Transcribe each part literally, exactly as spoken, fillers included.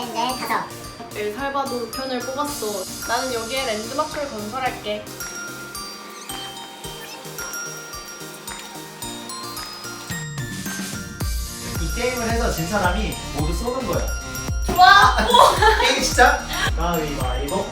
넷, 다섯. 엘살바도르 편을 뽑았어. 나는 여기에 랜드마크를 건설할게. 이 게임을 해서 진 사람이 모두 쏘는 거야. 좋아! 게임 시작! 가위바위보.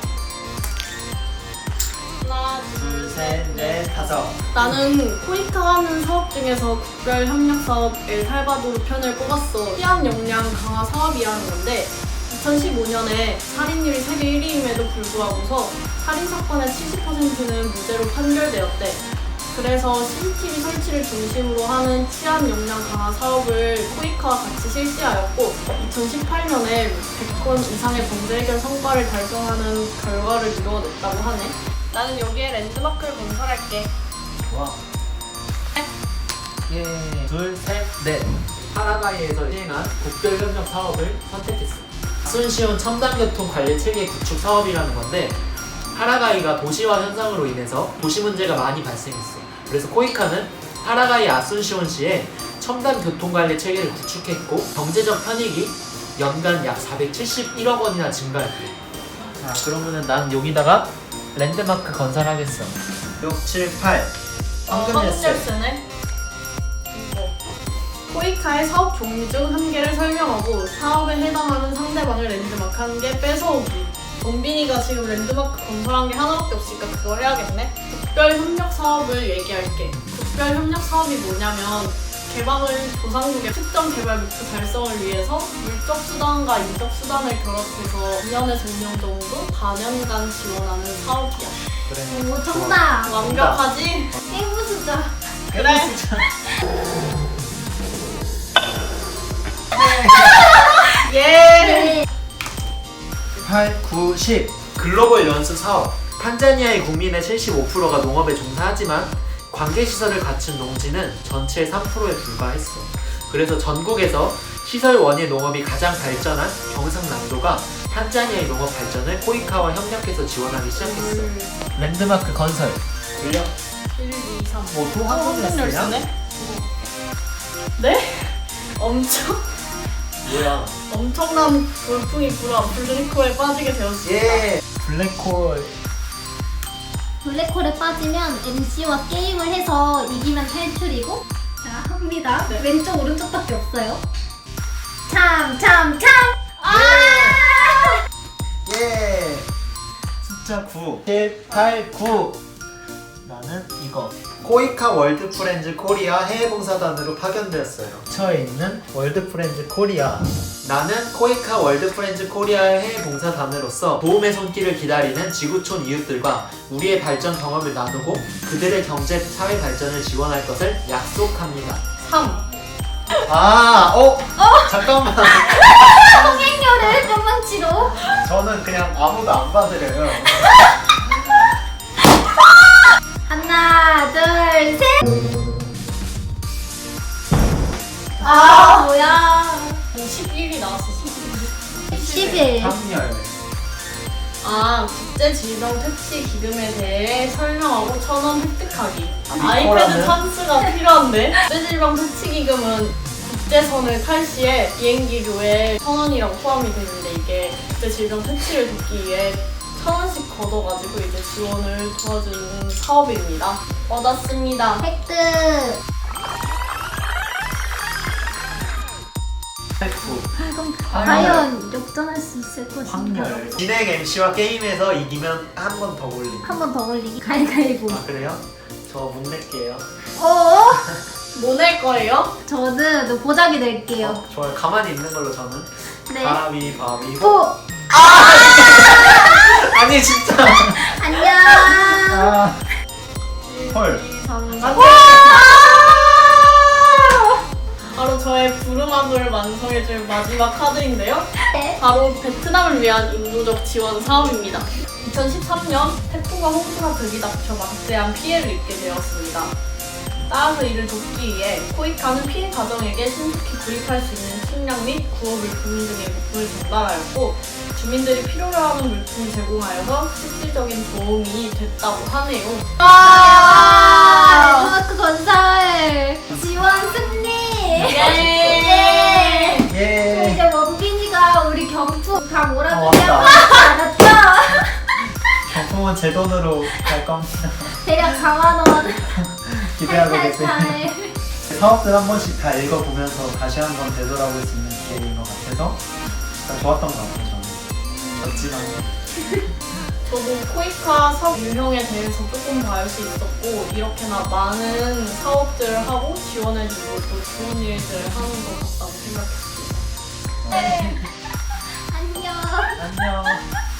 하나, 둘, 셋, 넷, 다섯. 나는 코이카 하는 사업 중에서 국별 협력 사업 엘살바도르 편을 뽑았어. 시안 역량 강화 사업이라는 건데 이천십오 년에 살인율이 세계 일 위임에도 불구하고서 살인 사건의 칠십 퍼센트는 무죄로 판결되었대. 그래서 씨씨티비 설치를 중심으로 하는 치안 역량 강화 사업을 코이카와 같이 실시하였고 이천십팔 년에 백 건 이상의 범죄 해결 성과를 달성하는 결과를 이루어냈다고 하네. 나는 여기에 랜드마크를 건설할게. 좋아. 예. 둘, 셋, 넷. 파라과이에서 시행한 국별협력 사업을 선택했어. 순시온 첨단교통 관리 체계 구축 사업이라는 건데 파라과이가 도시화 현상으로 인해서 도시 문제가 많이 발생했어. 그래서 코이카는 파라과이 아순시온시에 첨단 교통관리 체계를 구축했고 경제적 편익이 연간 약 사백칠십일억 원이나 증가했대. 자, 그러면은 난 여기다가 랜드마크 건설하겠어. 육, 칠, 팔. 황금 열쇠. 열쇠네. 이거. 코이카의 사업 종류 중 한 개를 설명하고 사업에 해당하는 상대방을 랜드마크 한 개 뺏어오기. 원빈이가 지금 랜드마크 건설한 게 하나밖에 없으니까 그걸 해야겠네. 국별협력 사업을 얘기할게. 국별협력 사업이 뭐냐면 개방을 도상국의 특정 개발 목표 달성을 위해서 물적 수단과 인적 수단을 결합해서 이 년에서 오 년 정도 사 년간 지원하는 사업이야. 그래. 오, 정답. 완벽하지? 게임 숫자. 그래. 예. 네. 팔, 구, 십. 글로벌 연수 사업. 탄자니아의 국민의 칠십오 퍼센트가 농업에 종사하지만 관계시설을 갖춘 농지는 전체의 삼 퍼센트에 불과했어. 그래서 전국에서 시설 원예 농업이 가장 발전한 경상남도가 탄자니아의 농업 발전을 코이카와 협력해서 지원하기 시작했어. 랜드마크 건설. 들려? 일, 이, 삼. 뭐 또 황금 열쇠야? 열쇠네? 네? 엄청 뭐야? 엄청난 돌풍이 불어 블랙홀에 빠지게 되었어. 예. 블랙홀. 블랙홀에 빠지면 엠씨와 게임을 해서 이기면 탈출이고. 자, 합니다. 네. 왼쪽 오른쪽밖에 없어요. 참, 참, 참! 아! 예. 숫자 구. 칠, 팔, 구. 나는 이거. 코이카 월드 프렌즈 코리아 해외봉사단으로 파견되었어요. 처에 있는 월드 프렌즈 코리아. 나는 코이카 월드 프렌즈 코리아의 해외봉사단으로서 도움의 손길을 기다리는 지구촌 이웃들과 우리의 발전 경험을 나누고 그들의 경제, 사회 발전을 지원할 것을 약속합니다. 삼. 아, 어? 어? 잠깐만. 성행렬을 뿅망치로. 저는 그냥 아무도 안 받으려요. 하나, 둘, 셋! 아, 아. 뭐야. 십일이 나왔어. 십일. 삼열. 아, 국제질병 퇴치 기금에 대해 설명하고 천 원 획득하기. 아이패드 이거라면? 찬스가 필요한데? 국제질병 퇴치 기금은 국제선을 탈 시에 비행기료에 천 원이랑 포함이 되는데 이게 국제질병 퇴치를 돕기 위해 천 원씩 걷어가지고 이제 지원을 도와주는 사업입니다. 얻었습니다. 획득. 구. 그럼 황열. 과연 역전할 수 있을 것인가? 황열. 진행 엠씨와 게임에서 이기면 한 번 더 올리기. 한 번 더 올리기. 가위가위보. 아, 그래요? 저 못 낼게요. 어? 뭐 낼 거예요? 저는 보자기 낼게요. 어, 좋아요. 가만히 있는 걸로 저는. 네. 가위바위보. 오! 아니 진짜. 안녕! 아. 헐. 이, 삼, 사. 바로 저의 부름함을 완성해줄 마지막 카드인데요. 네. 바로 베트남을 위한 인도적 지원 사업입니다. 이천십삼 년 태풍과 홍수가 들이닥쳐 막대한 피해를 입게 되었습니다. 따라서 이를 돕기 위해 코이카는 피해 가정에게 신속히 구입할 수 있는 식량 및 구호물, 금융 등의 물품을 전달하였고 주민들이 필요로 하는 물품을 제공하여서 실질적인 도움이 됐다고 하네요. 아! 랜드마크 건설! 지원 승리! 예! 예! 예. 이제 원빈이가 우리 경투 지금은 제 돈으로 갈 겁니다. 대략 사만 원. 기대하고 계세요. 탈탈탈. 사업들 한 번씩 다 읽어보면서 다시 한번 되돌아볼 수 있는 기회인 것 같아서 진짜 좋았던 것 같아요. 저는 멋지만 저도 코이카 사업 유형에 대해서 조금 더 알 수 있었고 이렇게나 많은 사업들을 하고 지원해주고 또 좋은 일들을 하는 것 같다고 생각했습니다. 네. 안녕. 안녕.